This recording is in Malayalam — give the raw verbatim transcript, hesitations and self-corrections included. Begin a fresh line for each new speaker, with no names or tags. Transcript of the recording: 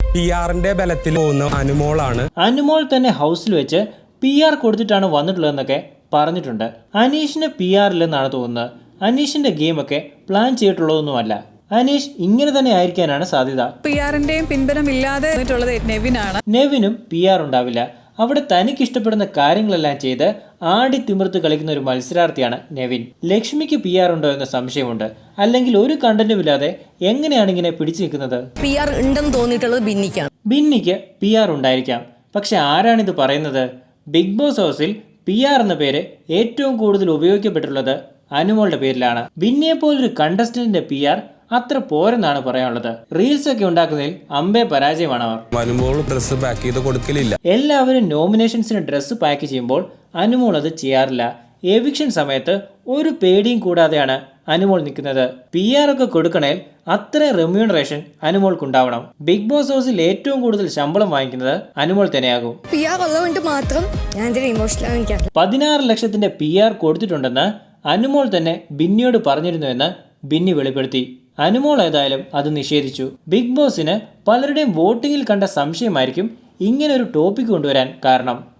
പി ആറിന്റെ ബലത്തിൽ പോകുന്ന അനുമോളാണ്.
അനുമോൾ തന്നെ ഹൗസിൽ വെച്ച് പി ആർ കൊടുത്തിട്ടാണ് വന്നിട്ടുള്ളതെന്നൊക്കെ പറഞ്ഞിട്ടുണ്ട്. അനീഷിന് പി ആർ ഇല്ലെന്നാണ് തോന്നുന്നത്. അനീഷിന്റെ ഗെയിമൊക്കെ പ്ലാൻ ചെയ്തിട്ടുള്ളതൊന്നുമല്ല. അനീഷ് ഇങ്ങനെ തന്നെ ആയിരിക്കാനാണ് സാധ്യത.
പി ആറിന്റെയും പിൻബലമില്ലാതെ നെവിനാണ്.
നെവിനും പി ആർ ഉണ്ടാവില്ല. അവിടെ തനിക്ക് ഇഷ്ടപ്പെടുന്ന കാര്യങ്ങളെല്ലാം ചെയ്ത് ആടി തിമിർത്ത് കളിക്കുന്ന ഒരു മത്സരാർത്ഥിയാണ് നെവിൻ. ലക്ഷ്മിക്ക് പി ആർ ഉണ്ടോ എന്ന സംശയമുണ്ട്. അല്ലെങ്കിൽ ഒരു കണ്ടന്റും ഇല്ലാതെ എങ്ങനെയാണ് ഇങ്ങനെ പിടിച്ചു നിൽക്കുന്നത്?
പി ആർ ഉണ്ടെന്ന് തോന്നിയിട്ടുള്ളത് ബിന്നിക്കാണ്.
ബിന്നിക്ക് പി ആർ ഉണ്ടായിരിക്കാം. പക്ഷെ ആരാണിത് പറയുന്നത്? ബിഗ് ബോസ് ഹൗസിൽ പി ആർ എന്ന പേര് ഏറ്റവും കൂടുതൽ ഉപയോഗിക്കപ്പെട്ടുള്ളത് അനുമോളുടെ പേരിലാണ്. ബിന്നിയെ പോലൊരു കണ്ടസ്റ്റന്റിന്റെ പി ആർ അത്ര പോരെന്നാണ് പറയാനുള്ളത്. റീൽസ് ഒക്കെ ഉണ്ടാക്കുന്നതിൽ അമ്പേ പരാജയമാണ് അവർ.
അനുമോൾ ഡ്രസ് പാക്ക് ചെയ്ത് കൊടുക്കലില്ല.
എല്ലാവരും നോമിനേഷൻസിന് ഡ്രസ്സ് പാക്ക് ചെയ്യുമ്പോൾ അനുമോൾ അത് ചെയ്യാറില്ല. എവിക്ഷൻ സമയത്ത് ഒരു പേടിയും കൂടാതെയാണ് അനുമോൾ നിൽക്കുന്നത്. പി ആർ ഒക്കെ കൊടുക്കണേൽ അത്ര റെമ്യൂണറേഷൻ അനുമോൾക്കുണ്ടാവണം. ബിഗ് ബോസ് ഹൗസിൽ ഏറ്റവും കൂടുതൽ ശമ്പളം വാങ്ങിക്കുന്നത് അനുമോൾ തന്നെയാകും.
പി ആർ ഉള്ളതുകൊണ്ട് മാത്രം ഞാൻ ഇമോഷണൽ
പതിനാറ് ലക്ഷത്തിന്റെ പി ആർ കൊടുത്തിട്ടുണ്ടെന്ന് അനുമോൾ തന്നെ ബിന്നിയോട് പറഞ്ഞിരുന്നുവെന്ന് ബിന്നി വെളിപ്പെടുത്തി. അനുമോൾ ഏതായാലും അത് നിഷേധിച്ചു. ബിഗ് ബോസിന് പലരുടെയും വോട്ടിങ്ങിൽ കണ്ട സംശയമായിരിക്കും ഇങ്ങനെ ഒരു ടോപ്പിക് കൊണ്ടുവരാൻ കാരണം.